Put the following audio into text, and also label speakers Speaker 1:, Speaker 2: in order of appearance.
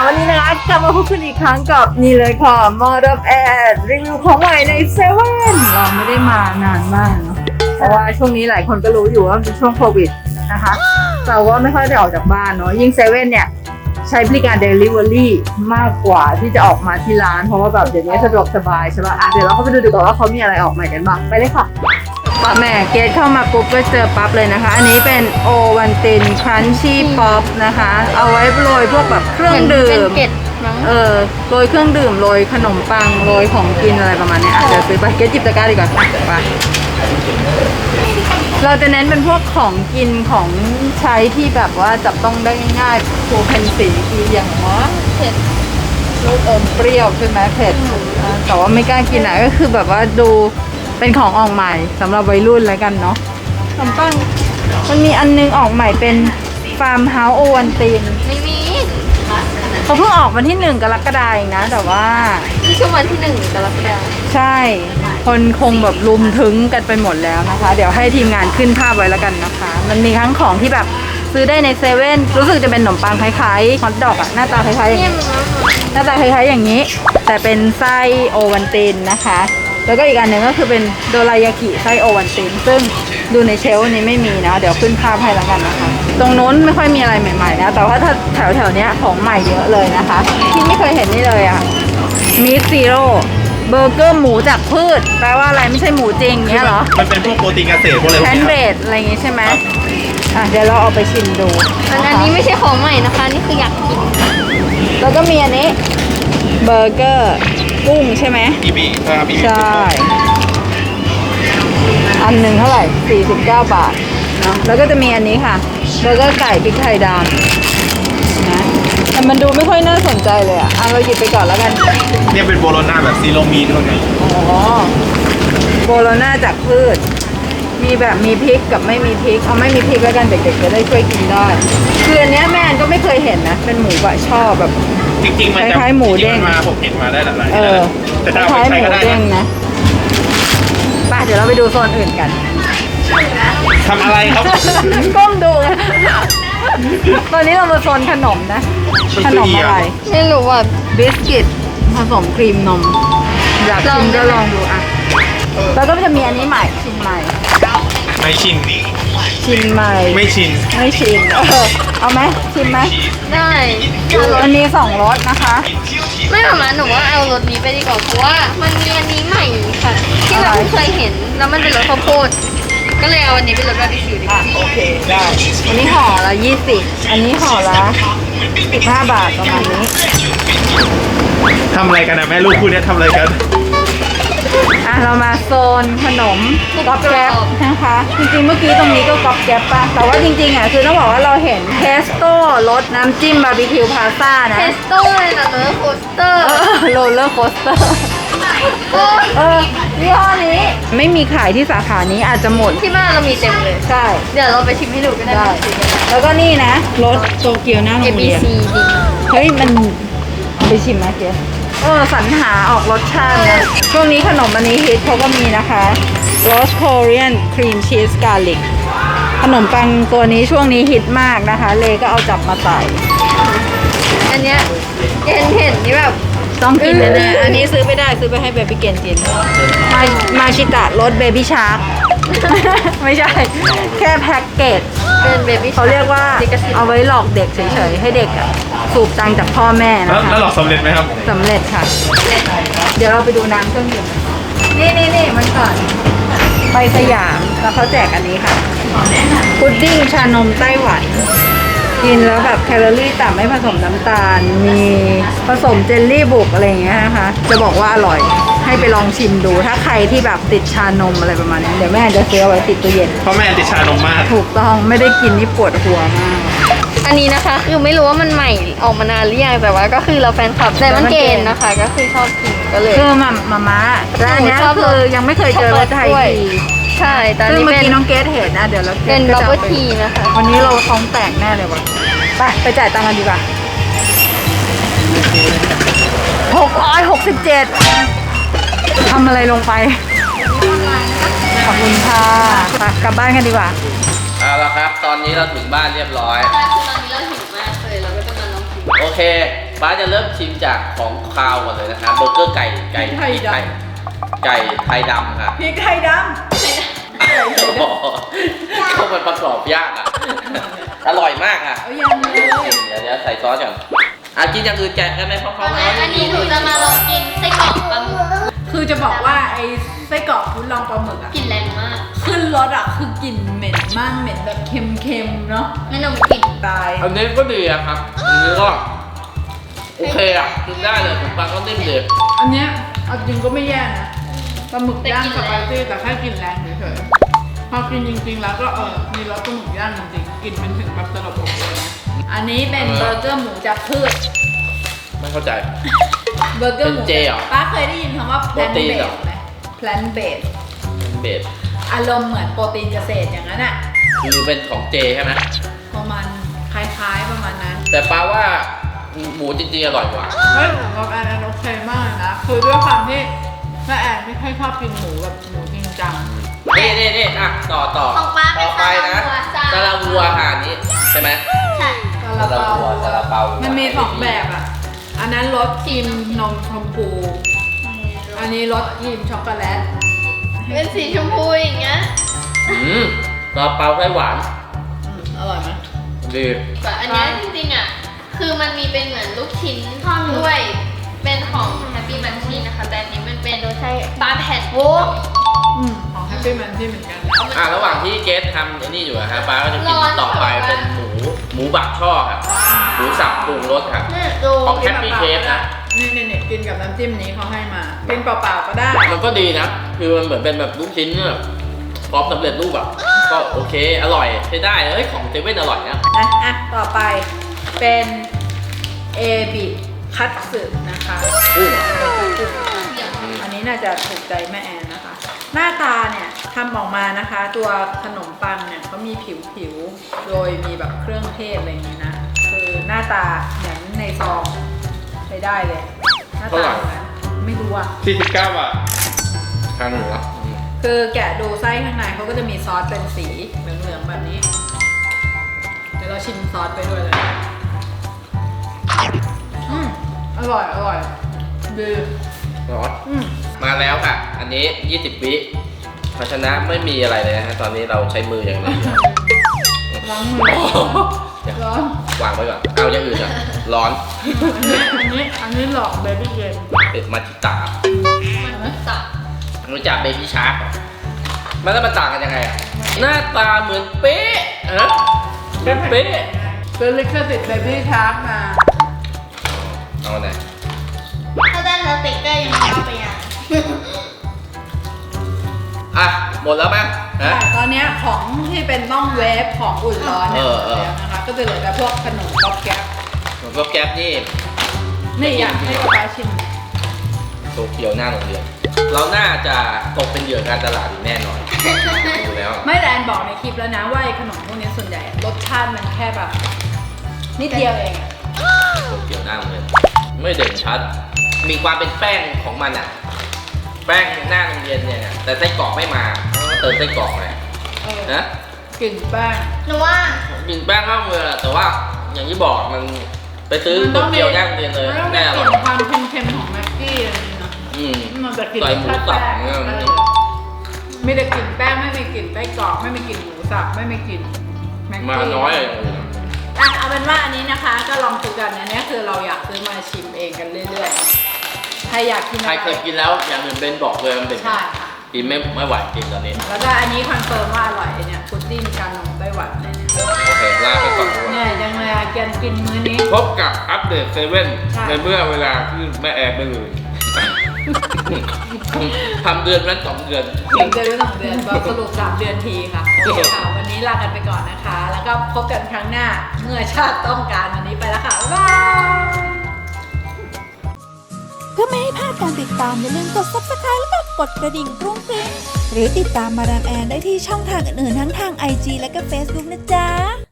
Speaker 1: วันนี้นะคะกลับมาพบกันอีกครั้งกับนี่เลยค่ะมาดับแอดรีวิวของใหม่ในเซเว่นเราไม่ได้มานานมากเนาะเพราะว่าช่วงนี้หลายคนก็รู้อยู่ว่าเป็นช่วงโควิดนะคะเราก็ไม่ค่อยได้ออกจากบ้านเนาะยิ่งเซเว่นเนี่ยใช้บริการ Delivery มากกว่าที่จะออกมาที่ร้านเพราะว่าแบบเดี๋ยวนี้สะดวกสบายใช่ป่ะเดี๋ยวเราเข้าไปดูดีกว่าว่าเขามีอะไรออกใหม่กันบ้างไปเลยค่ะป้าแม่เกตเข้ามาปุ๊บก็เจอปั๊บเลยนะคะอันนี้เป็นโอวันตินครันชี่ป๊อปนะคะเอาไว้โรยพวกแบบเครื่องดื่มโรยเครื่องดื่มโรยขนมปังโรยของกินอะไรประมาณนี้เดี๋ยวซื้อไปเกตจิบตะกร้าดีกว่าไปเราจะเน้นเป็นพวกของกินของใช้ที่แบบว่าจับต้องได้ง่ายๆคูเพนสีคืออย่างว่าเผ็ดลูกอมเปรี้ยวใช่ไหมเผ็ดแต่ว่าไม่กล้ากินอ่ะก็คือแบบว่าดูเป็นของออกใหม่สำหรับวัยรุ่นแล้วกันเนาะขนมปังมันมีอันนึงออกใหม่เป็นฟาร์มเฮาส์โอวันติน
Speaker 2: ไม่มี
Speaker 1: เขาเพิ่งออกวันที่1 กรกฎาคมนะแต่ว่า
Speaker 2: นี่คือวันที่1 กรกฎาคม
Speaker 1: ใช่คนคงแบบลุมถึงกันไปหมดแล้วนะคะเดี๋ยวให้ทีมงานขึ้นภาพไว้แล้วกันนะคะมันมีทั้งของที่แบบซื้อได้ในเซเว่นรู้สึกจะเป็นขนมปังคล้ายๆฮอทดอกอะหน้าตาคล้ายๆอย่างนี้หน้าตาคล้ายๆอย่างนี้แต่เป็นไส้โอวันตินนะคะแล้วก็อีกอันหนึ่งก็คือเป็นโดรายากิไส้โอวันตินซึ่งดูในเชลฟ์นี้ไม่มีนะเดี๋ยวขึ้นภาพให้แล้วกันนะคะตรงโน้นไม่ค่อยมีอะไรใหม่ๆนะแต่ว่าถ้าแถวๆนี้ของใหม่เยอะเลยนะคะที่ไม่เคยเห็นนี่เลยอะมีซีโร่เบอร์เกอร์หมูจากพืชแปลว่าอะไรไม่ใช่หมูจริงเงี้ยเหรอ
Speaker 3: มันเป็นพวกโปรตีนเกษตรพวกอะไร
Speaker 1: แพนเบดอะไรอย่างงี้ใช่ไหมเดี๋ยวเราเอาไปชิมดู
Speaker 2: อันนี้ไม่ใช่ของใหม่นะคะนี่คืออยากกิน
Speaker 1: แล้วก็มีอันนี้เบอร์เกอร์กุ้งใช่ไหมใช่อันหนึ่งเท่าไหร่49 บาทเนาะแล้วก็จะมีอันนี้ค่ะเบอร์เกอร์ไก่พริกไทยดำนะแต่มันดูไม่ค่อยน่าสนใจเลยอ่ะเราหยิบไปก่อนแล้วกัน
Speaker 3: เนี่ยเป็นโบโลน่าแบบซีโรมีนเท่านั้น
Speaker 1: อ๋อโบโลน่าจากพืชมีแบบมีพริกกับไม่มีพริกเอาไม่มีพริกแล้วกันเด็กๆจะได้ช่วยกินได้คืออันนี้แม่ก็ไม่เคยเห็นนะเป็นหมูบะช่อแบบ
Speaker 3: จริงๆมัน
Speaker 1: คล้ายๆหมูเด้ง
Speaker 3: มาผมเห็นมาได้หลาย
Speaker 1: แต่คล้ายๆหมูเด้งนะไปเดี๋ยวเราไปดูโซนอื่นกัน
Speaker 3: ทำอะไรครับ
Speaker 1: ก้มดูตอนนี้เรามาโซนขนมนะขนมอะไร
Speaker 2: ไม่รู้ว่า
Speaker 1: บิสกิตผสมครีมนมอยากชิมก็ลองดูอ่ะแล้วก็จะมีอันนี้ใหม่ชิมใหม่
Speaker 3: ไม่ชินนี่
Speaker 1: ชิมใหม่
Speaker 3: ไม่ชิน
Speaker 1: เอาไหมชิมไหม
Speaker 2: ได้
Speaker 1: อันนี้2 รสนะคะ
Speaker 2: ไม่หมาหนูว่าเอารสนี้ไปดีกว่าเพราะว่ามันมีอันนี้ใหม่ค่ะที่เราเคยเห็นแล้วมันเป็นรสข้าวโพดก็เลยเอาอันนี้เป็นรสบาร์บีคิวดีกว่า
Speaker 1: โอเคได้อันนี้ห่อละ20อันนี้ห่อละ15 บาทประมาณนี้
Speaker 3: ทำอะไรกันนะแม่ลูกคู่นี้ทำอะไรกัน
Speaker 1: เรามาโซนขนมก๊อบแก๊บนะคะจริงๆเมื่อกี้ตรงนี้ก็ก๊อบแก๊บป่ะแต่ว่าจริงๆคือต้องบอกว่าเราเห็นเทสโต้รสน้ำจิ้มบาร์บีคิวพาซ่านะ
Speaker 2: เทสโต้เลยนะโรลเลอร์โคสเตอร์
Speaker 1: โรลเลอร์โคสเตอร์ยี่ห้อนี้ไม่มีขายที่สาขานี้อาจจะหมด
Speaker 2: ที่บ้านเรามีเต็มเลย
Speaker 1: ใช่
Speaker 2: เดี๋ยวเราไปชิมให้ดูก็ได้
Speaker 1: แล้วก็นี่นะรสโตเกียวหน้าโรงเรียนเฮ้ยมันไปชิมไหมเจ๊สรรหาออกรสชาตินะช่วงนี้ขนมอันนี้ฮิตเขาก็มีนะคะ Roast Korean Cream Cheese Garlic ขนมปังตัวนี้ช่วงนี้ฮิตมากนะคะเลก็เอาจับมาใส่
Speaker 2: อันเนี้ยเห็นนี่แบบ
Speaker 1: ต้องกินแน่ๆอันนี้ซื้อไม่ได้ซื้อไปให้เบบี้เกนกินมาชิตะรสเบบี้ชาร์กไม่ใช่แค่แพ็กเกจ
Speaker 2: เป็นเบบี้
Speaker 1: เขาเรียกว่าเอาไว้หลอกเด็กเฉยๆให้เด็กสูบตังจากพ่อแม่นะคะ
Speaker 3: แล้วหลอกสำเร็จไหมครับ
Speaker 1: สำเร็จค่ะเดี๋ยวเราไปดูน้ำเครื่องดื่มนี่มันก่อนไปสยามแล้วเขาแจกอันนี้ค่ะพุดดิ้งชานมไต้หวันกินแล้วแบบแคลอรี่ต่ำไม่ผสมน้ำตาลมีผสมเจลลี่บุกอะไรอย่างเงี้ยนะคะจะบอกว่าอร่อยให้ไปลองชิมดูถ้าใครที่แบบติดชานมอะไรประมาณนี้เดี๋ยวแม่จะซื้อเอาไว้ติดตู้เย็น
Speaker 3: เพราะแม่ติดชานมมาก
Speaker 1: ถูกต้องไม่ได้กินนี่ปวดหัวมาก
Speaker 2: อันนี้นะคะคือไม่รู้ว่ามันใหม่ออกมานานหรือยังแต่ว่าก็คือเราแฟนคลับไดมอนด์เกนนะคะก็คือชอบกินก็เลย
Speaker 1: คือมาแล้วอันนี้คือยังไม่เคยเจอรสไทยที
Speaker 2: ใช่ตอนนี้
Speaker 1: เมื่อกี้น้องเกดเห็นนะเดี๋ยวเรา
Speaker 2: เป็นบับเบิ้ลทีนะคะ
Speaker 1: วันนี้เราท้องแตกแน่เลยวะไปจ่ายตังค์กันดีกว่า667ทำอะไรลงไปขอบคุณค่ะกลับบ้านกันดีกว่า
Speaker 4: เอาละครับตอนนี้เราถึงบ้านเรียบร้อย
Speaker 2: ใช่คือตอนนี้เราหิวมากเลยเราก็ต้องมาลองกิน
Speaker 4: โอเคไปป้าจะเริ่มชิมจากของคาวก่อนเลยนะคะเบอร์เกอร์ไก่ไก่ไทยดำค่ะ
Speaker 1: พริกไทยด
Speaker 4: เข้ามันประกอบยากอ่ะ อร่อยมากอ่ะ
Speaker 1: ำเอายังเลย
Speaker 4: เดี๋ยวใส่ซอสก่อนกินอย่างอื่นแกะกันไหมเพราะเขา
Speaker 2: อันนี้หนูจะมาลองกินไส้กรอกปลาหมึก
Speaker 1: คือจะบอกว่าไอ้ไส้กรอกคุณลองปลาหมึกอะ
Speaker 2: กลิ่นแรงมาก
Speaker 1: ขึ้นรสอะคือกลิ่นเหม็นมากเหม็นแบบเค็มๆเนาะ
Speaker 2: งั้นหนูกิน
Speaker 1: ตาย
Speaker 4: อันนี้ก็ดีอะครับอันนี้ก็โอเคอ่ะกินได้เลยผมปลาก็นิ่มดี
Speaker 1: อันเนี้ยเอาจริงก็ไม่แย่นะปลาหมึกย่างสไปซี่แต่แค่กลิ่นแรงเฉยๆพอกินจริงๆแล้วก็มีรสปลาหมึกย่างจริงๆกลิ่นมันถึงแบบตลบอบเลยนะอันนี้เป็นเบอร์เกอร์หมูจากพืช
Speaker 4: ไม่เข้าใจ
Speaker 1: เบอร์เกอร์หมู
Speaker 4: เป็นเจเหรอ
Speaker 1: ป้าเคยได้ยินคำว่า
Speaker 4: โปร
Speaker 1: plant
Speaker 4: ตีนเหรอ
Speaker 1: based ไหม plant based
Speaker 4: เบส
Speaker 1: อารมณ์เหมือนโปรตีนเกษตรอย่างนั้นอะ
Speaker 4: คือเป็นของเจใช่ไหม
Speaker 1: ประมาณคล้ายๆประมาณนั้น
Speaker 4: แต่ป้าว่าหมูจริงๆอร่อยกว่า
Speaker 1: เฮ้ยของเราแอนโอเคมากเลยนะคือด้วยความที่แม่แอนไม่ค่อยชอบกินหมูแบบหมูจริงจัง
Speaker 4: นี่อ่ะต่อ
Speaker 2: ของป้าเป็น
Speaker 4: ต่อไปนะ
Speaker 2: ซา
Speaker 4: ซา
Speaker 2: ลา
Speaker 4: ลา
Speaker 2: วั
Speaker 4: วั
Speaker 2: ว
Speaker 4: วค่ะอันนี้ใช่ไหม
Speaker 2: ใช่
Speaker 1: ซาลาเปา
Speaker 4: ซาลาเปา
Speaker 1: มันมีสองแบบอ่ะอันนั้นรสครีมนมชมพูอันนี้รสครีมช็อกโกแลต
Speaker 2: เป็นสีชมพูอย่างเงี้ย
Speaker 4: ซาลาเปาไส้หวาน
Speaker 1: อร่อยไหม
Speaker 4: ดี
Speaker 2: แต่อันเนี้ยจริงๆอ่ะ คือมันมีเป็นเหมือนลูกชิ้นด้วย เป็นของ Happy Munchie นะคะ แต่อันนี้มันเป็นปลาแผ่นโอ้
Speaker 1: ของแฮปปี้แมนที่เหมือนกัน
Speaker 4: ระหว่างที่เกสทำอันนี้อยู่อะครับป้าก็จะกินต่อไปเป็นหมูบักช่อครับหมูสับปรุงรสครับ
Speaker 2: เนี่ยดู
Speaker 4: ของ Happy Chef นะ
Speaker 1: นี่กินกับน้ำจิ้มนี้เขาให้มากินเปล่าๆก็ได้
Speaker 4: มันก็ดีนะ คือมันเหมือนเป็นแบบลูกชิ้นแบบพร้อมสำเร็จรูปแบบก็โอเค อร่อยใช้ได้เฮ้ยของเซเว่นอร่อยนะ
Speaker 1: ต่อไปเป็นเอบิคัตสึนะคะ
Speaker 4: กุ้ง
Speaker 1: อันนี้น่าจะถูกใจแม่แอนนะคะ หน้าตาเนี่ยทำออกมานะคะ ตัวขนมปังเนี่ยเขามีผิวโดยมีแบบเครื่องเทศอะไรอย่างนี้นะ คือหน้าตาเหมือนในซองใช้ได้เลย หน้าตาแบบนั้นไม่รู้อ่ะ
Speaker 3: 49 บาท
Speaker 4: ทางเหนือ
Speaker 1: คือแกะดูไส้ข้างในเขาก็จะมีซอสเป็นสีเหลืองๆแบบนี้ เดี๋ยวเราชิมซอสไปด้วยเลยอร่อยดี
Speaker 4: ร้อนมาแล้วค่ะ อันนี้ 20 วิภาชนะไม่มีอะไรเลยนะฮะตอนนี้เราใช้มืออย่างเดียว
Speaker 1: ล้างมือร้อน
Speaker 4: วางไว้ก่อน เอาอย่างอื่นอ่ะ ร้อน
Speaker 1: อันนี้หลอกเบบี้เย็น
Speaker 4: เป็ดมาจิตา
Speaker 2: มันสับ
Speaker 4: รู้จักเบบี้ชาร์กมันแล้วมันต่างกันยังไงอ่ะ หน้าตาเหมือนเป๊ะเป๊ะ
Speaker 1: เป็นลิขสิทธิ์เบบี้ชาร์กมา
Speaker 4: เอาไหน
Speaker 2: ถ้าได้สติ๊กเกอร์ยังไม่เอาไปยัง
Speaker 4: อ่ะ หมดแล้วมั้งฮะ
Speaker 1: ตอนนี้ของที่เป็นต้องเวฟของอุ่นร้อนเนี่ย
Speaker 4: เออ
Speaker 1: แล้วนะคะ ก็จะเหลือแต่พวกขนมก๊อบแก๊บ
Speaker 4: ผมก็แก๊ปนี่
Speaker 1: นี่อยากให้กระป๋าชิม
Speaker 4: โตเกียวหน้าโรงเรียน เราน่าจะตกเป็นเหยื่อการตลาดอยู่แน่นอนดูแล้ว
Speaker 1: ไม่แรนบอกในคลิปแล้วนะว่าไอ้ขนมพวกนี้ส่วนใหญ่รสชาติมันแค่แบบนิดเดียวเองอะ
Speaker 4: โตเกียวหน้าโรงเรียนไม่เด่นชัด มีความเป็นแป้งของมันอ่ะ แป้งหน้าโรงเรียนเนี่ย แต่ไส้กรอกไม่มาต้องเติมไส้กรอกเลยนะ
Speaker 1: กลิ่นแป้ง
Speaker 2: หนูว่า
Speaker 4: กินแป้งข้าวเมืองแต่ว่าอย่างที่บอกมันไปซื้อโตเกียวหน้าโรงเรียนเลย
Speaker 1: มันต้องมี
Speaker 4: แน่
Speaker 1: ก
Speaker 4: หรอ
Speaker 1: ลิ่นความเค็มๆของแม็กกี้อะไรอย่างเงี้ยนะ มันจะกลิ่น
Speaker 4: ใส่หมูสับ
Speaker 1: แป้ง
Speaker 4: เนี่ย
Speaker 1: มีแต่กลิ่นแป้งไม่มีกลิ่นไส้กรอกไม่มีกลิ่นหมูสับไม่มีกลิ่นแม็กกี้
Speaker 4: มาน้อยเลย
Speaker 1: เอาเป็นว่าอันนี้นะคะก็ลองซื้อกันอันนี้คือเราอยากซื้อมาชิมเองกันเรื่อยๆใครอยากกิน
Speaker 4: ใครเคยกินแล้วอย่างอื่นเป็นบอกเลยมันเป็น
Speaker 1: ใช่ค่ะ
Speaker 4: กินไม่ไหวกินตอนนี้
Speaker 1: แล้วก็อันนี้คอนเฟิร์มว่าอร่อยเนี่ยพุดดิ้งชานมไต้หวันเลยเนี่ย
Speaker 4: โอเคลาไปก่อนดีกว่า
Speaker 1: เนี่ยยังเลยอะกินมื้อนี้
Speaker 3: พบกับอัปเดตเซเว่น
Speaker 1: ใช่
Speaker 3: ในเมื่อเวลาที่แม่แอบไม่ลืม
Speaker 4: ทำเดือนนั้น2 เดือน
Speaker 1: 1 เดือนหรือ2 เดือนก็สรุป3 เดือนทีค่ะโอเคค่ะวันนี้ลากันไปก่อนนะคะ แล้วก็พบกันครั้งหน้าเมื่อชาติต้องการวันนี้ไปแล้วค่ะบ๊ายบาย
Speaker 5: เพื่อไม่ให้พลาดการติดตามอย่าลืมกด Subscribe แล้วก็กดกระดิ่งกรุ้งกริ้งหรือติดตามมาดามแอนได้ที่ช่องทางอื่นๆทั้งทาง IG และก็ Facebook นะจ๊ะ